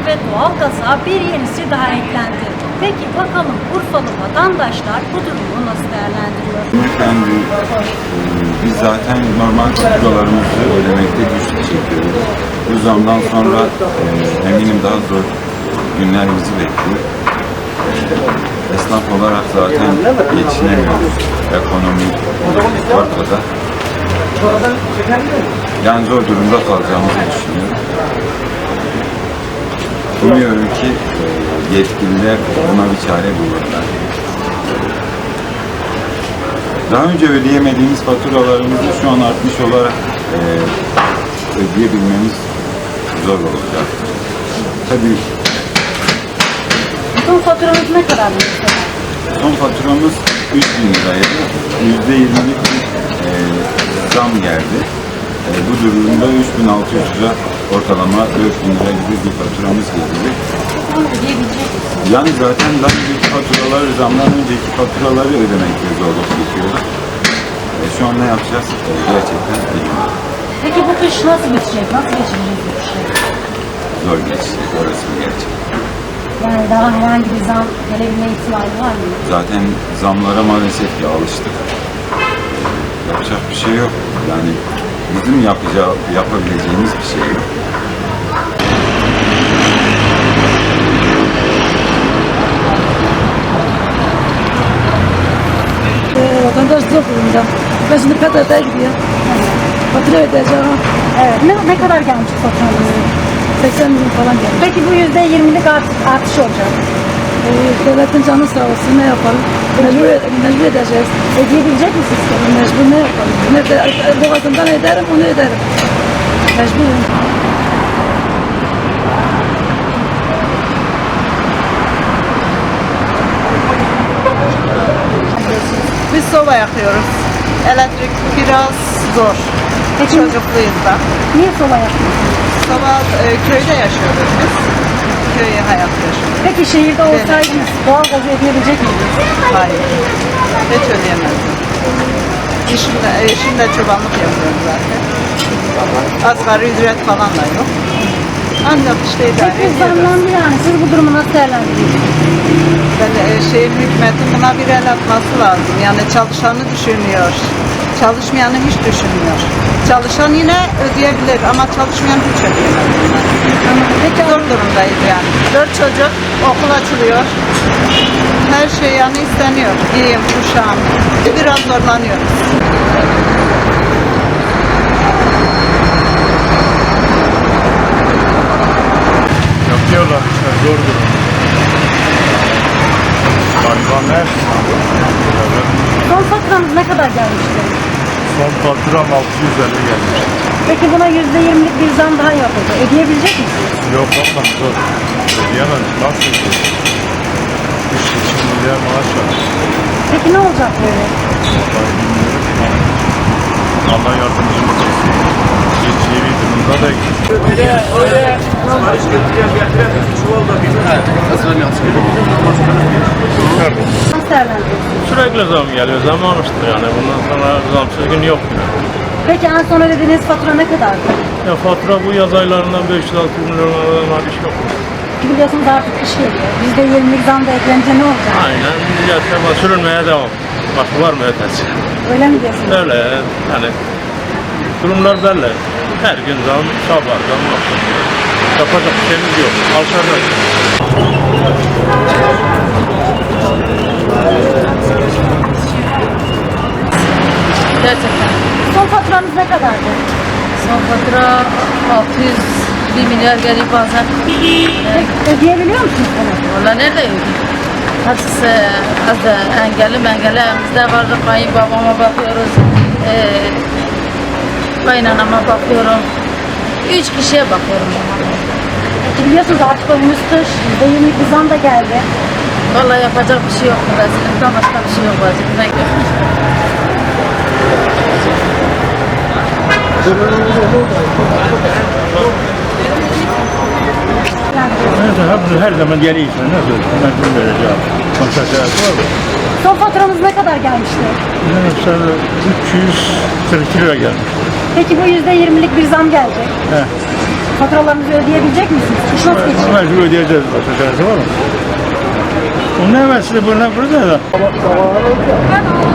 ve doğalgaza bir yenisi daha eklendi. Peki bakalım Urfalı vatandaşlar bu durumu nasıl değerlendiriyor? Efendim, biz zaten normal faturalarımızı ödemekte güçlük çekiyoruz. Bu zamdan sonra eminim daha zor günler bizi bekliyor. Esnaf olarak zaten geçinemiyoruz. Ekonomi ortada. Yani zor durumda kalacağımızı düşünüyorum. Umuyorum ki yetkililer buna bir çare bulurlar. Daha önce ödeyemediğimiz faturalarımızı şu an artmış olarak ödeyebilmemiz zor olacak. Tabii. Son faturanız ne kadar mesela? Son faturamız 3.000 liraydı. %20'lik bir zam geldi. Bu durumda 3.600 lira ortalama 4.000 lira gibi bir faturamız geldi. Yani zaten daha önceki faturaları, zamdan önceki faturaları ödemekte zorluk çekiyoruz. Şu an ne yapacağız? Gerçekten bilmiyorum. Peki bu kış nasıl geçecek? Nasıl geçirecek bu kışı? Zor geçecek, orası bir gerçek. Yani daha herhangi bir zam gelebilme ihtimali var mı? Zaten zamlara maalesef ki alıştık. Yapacak bir şey yok. Yani bizim yapabileceğimiz bir şey yok. Vatandaş zor durumda. Ben şimdi PTT'ye gidiyorum. Fatura ödeyeceğim. Evet. Ne kadar gelmiş faturanız? 80 milyon falan geldi. Peki bu %20'lik artış olacak. Devletin canı sağ olsun, ne yapalım? Mecbur edeceğiz. Ödeyebilecek misiniz? Mecbur ne yapalım? Boğazımdan ederim, onu ederim. Mecburum. Biz soba yakıyoruz. Elektrik biraz zor. Peki Çocukluyuz da. niye soba yapıyorsunuz? Soba köyde yaşıyoruz biz. Köy hayatı yaşıyoruz. Peki şehirde olsaydınız doğalgazı ödeyebilecek miydiniz? Hayır. Hiç ödeyemezdim. Eşimde çobanlık yapıyorum zaten. Asgari ücret falan da yok. Ancak işte idare Peki ediyoruz. zamlandı yani. Siz bu durumu nasıl değerlendiriyorsunuz? Hükümetin buna bir el atması lazım. Yani çalışanı düşünüyor. Çalışmayanı hiç düşünmüyor. Çalışan yine ödeyebilir ama çalışmayan hiç ödeyemez. Peki Zor durumdayız yani. 4 çocuk, okul açılıyor. Her şey yani isteniyor. Giyim, kuşağım. Biraz zorlanıyoruz. Yapıyorlar işte, zor durum. Garibanlar. son faturanız ne kadar gelmişti? Son faturam 650 gelmiş. Peki buna %20'lik bir zam daha yapıldı. Ödeyebilecek misiniz? Yok ama zor. Ödeyemem. Nasıl ödeyeyim? 3,5 milyar maaş var. Peki ne olacak böyle? Vallahi bilmiyorum. Allah yardımcımız olsun. Hiç iyi bir durumda değil. Nasıl değerlendiriyorsunuz? Sürekli zam geliyor, zam almıştır yani. Bundan sonra zamsız gün yok. Peki en son ödediğiniz fatura ne kadardı? Ya fatura bu yaz aylarından 500-600 milyon var iş yok. Biliyorsunuz artık kış geliyor. %20'lik zam da eklenince ne olacak? Aynen, yaşama sürünmeye devam. Başka var mı ötesi? Öyle mi diyorsunuz? Öyle yani durumlar belli. Her gün zam, sabah zam var. Yapacak bir şeyimiz yok. Alçalacak. Gerçekten. Son faturanız ne kadardı? Son fatura 601 milyar geliyor bazen. Peki ödeyebiliyor musunuz bunu? Valla nerede ödeyeyim? Hepsi az da engelli evimizde var. Kayınbabama bakıyoruz. Kaynanama bakıyorum. 3 kişiye bakıyorum. Peki biliyorsunuz artık önümüz kış. %20'lik bir zam da geldi. Valla yapacak bir şey yok. Vazilimden başka bir şey yok vazilimden. Her zaman geliyorsun. Nasıl? Mecbur vereceğim. Konuşacağız var mı? Son faturanız ne kadar gelmişti? Mesela 342 lira gelmiş. Peki bu %20'lik bir zam gelecek. He. Faturalarınızı ödeyebilecek misiniz? İş nasıl geçiyor? Mecbur ödeyeceğiz. Başka çaresi var mı? Onun ne var size burada da?